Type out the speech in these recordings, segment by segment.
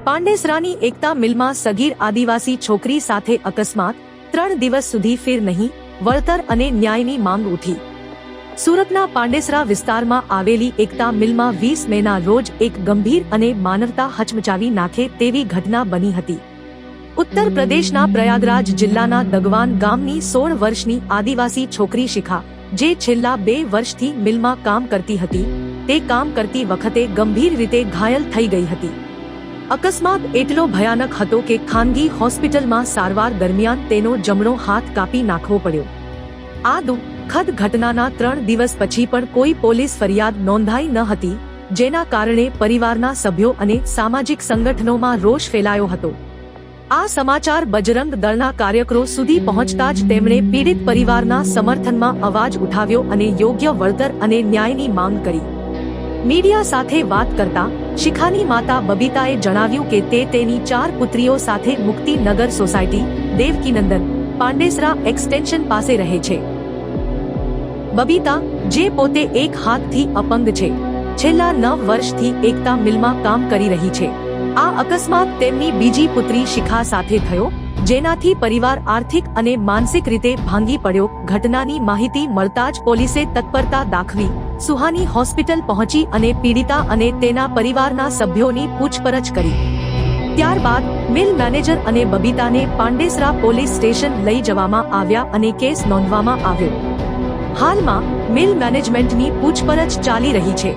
પાંડેસરાની એકતા મિલમાં સગીર આદિવાસી છોકરી સાથે અકસ્માત, 3 દિવસ સુધી ફેર નહીં, વળતર અને ન્યાયની માંગ ઉઠી। સુરતના પાંડેસરા વિસ્તારમાં આવેલી એકતા મિલમાં 20 મેના રોજ એક ગંભીર અને માનવતા હચમચાવી નાખે તેવી ઘટના બની હતી। ઉત્તર પ્રદેશના પ્રયાગરાજ જિલ્લાના દગવાન ગામની 16 વર્ષની આદિવાસી છોકરી શિખા, જે છેલ્લા 2 વર્ષથી મિલમાં કામ કરતી હતી, તે કામ કરતી વખતે ગંભીર રીતે ઘાયલ થઈ ગઈ હતી। અકસ્માત એટલો ભયાનક હતો કે ખાનગી હોસ્પિટલમાં સારવાર દરમિયાન તેનો જમણો હાથ કાપી નાખવો પડ્યો। આ દુઃખદ ઘટનાના 3 દિવસ પછી પણ કોઈ પોલીસ ફરિયાદ નોંધાઈ ન હતી, જેના કારણે પરિવારના સભ્યો અને સામાજિક સંગઠનોમાં રોષ ફેલાયો હતો। આ સમાચાર બજરંગ દળના કાર્યકરો સુધી પહોંચતા જ તેમણે પીડિત પરિવારના સમર્થનમાં અવાજ ઉઠાવ્યો અને યોગ્ય વળતર અને ન્યાયની માંગ કરી। મીડિયા સાથે વાત કરતા શિખાની માતા બબીતાએ જણાવ્યું કે તે તેની 4 પુત્રીઓ સાથે મુક્તિનગર સોસાયટી, દેવકીનંદન, પાંડેસરા એક્સટેન્શન પાસે રહે છે। બબીતા, જે પોતે એક હાથથી અપંગ છે, છેલ્લા 9 વર્ષથી એકતા મિલમાં કામ કરી રહી છે। આ અકસ્માત તેમની બીજી પુત્રી શિખા સાથે થયો, જેનાથી પરિવાર આર્થિક અને માનસિક રીતે ભાંગી પડ્યો। ઘટનાની માહિતી મળતા જ પોલીસે તત્પરતા દાખવી સુહાની હોસ્પિટલ પહોંચી અને પીડિતા અને તેના પરિવારના સભ્યોની પૂછપરછ કરી। ત્યારબાદ મિલ મેનેજર અને બબીતાને પાંડેસરા પોલીસ સ્ટેશન લઈ જવામાં આવ્યા અને કેસ નોંધવામાં આવ્યો। હાલમાં મિલ મેનેજમેન્ટની પૂછપરછ ચાલી રહી છે।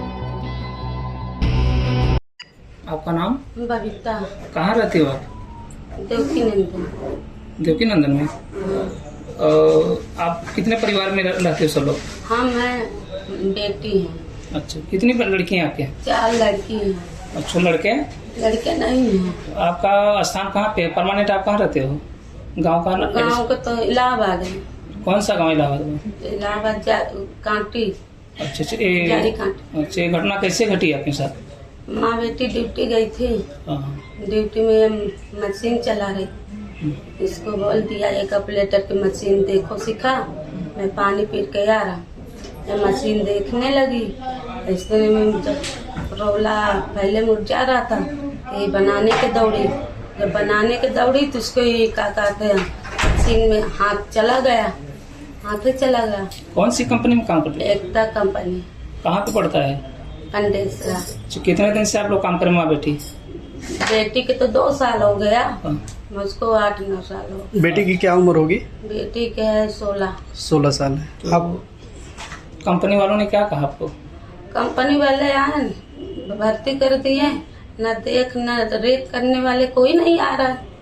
आपका नाम? बबीता। कहाँ रहती हो आप? देवकीनंदन। देवकीनंदन में। आप कितने परिवार में रहते हो सब लोग? हम हैं बेटी हैं। अच्छा, कितनी लड़की हैं आपके? 4 लड़की हैं। अच्छा, लड़के? लड़के नहीं हैं। आपका स्थान कहाँ पे? परमानेंट आप कहाँ रहते हो? गांव का? गाँव का तो इलाहाबाद है। कौन सा गांव इलाहाबाद में? इलाहाबाद कांटी। अच्छा अच्छा, जारी कांटी। अच्छा, ये घटना कैसे घटी आपके साथ? माँ बेटी ड्यूटी गई थी। हाँ। ड्यूटी में मशीन चला रही, इसको बोल दिया एक ऑपरेटर की मशीन देखो सिखा, मैं पानी पी के आ रहा। ये मशीन देखने लगी, इसने में जब रोला पहले मुरझा रहा था, ये बनाने के दौड़ी। जब बनाने के दौड़ी तो उसको ये क्या कहते हैं, मशीन में हाथ चला गया, हाथ चला गया। कौन सी कंपनी में काम करते हैं? एकता कंपनी। कहाँ पे पड़ता है? पंडेसरा। कितने दिन से आप लोग काम करें? माँ बेटी? बेटी के तो 2 साल हो गया, हाँ। मुझको 8-9 साल हो गया। बेटी की क्या उम्र होगी? बेटी के है 16 साल है। तो आप कंपनी वालों ने क्या कहा आपको? कंपनी वाले आए भर्ती कर दिए, न देख न रेख करने वाले कोई नहीं आ रहा है।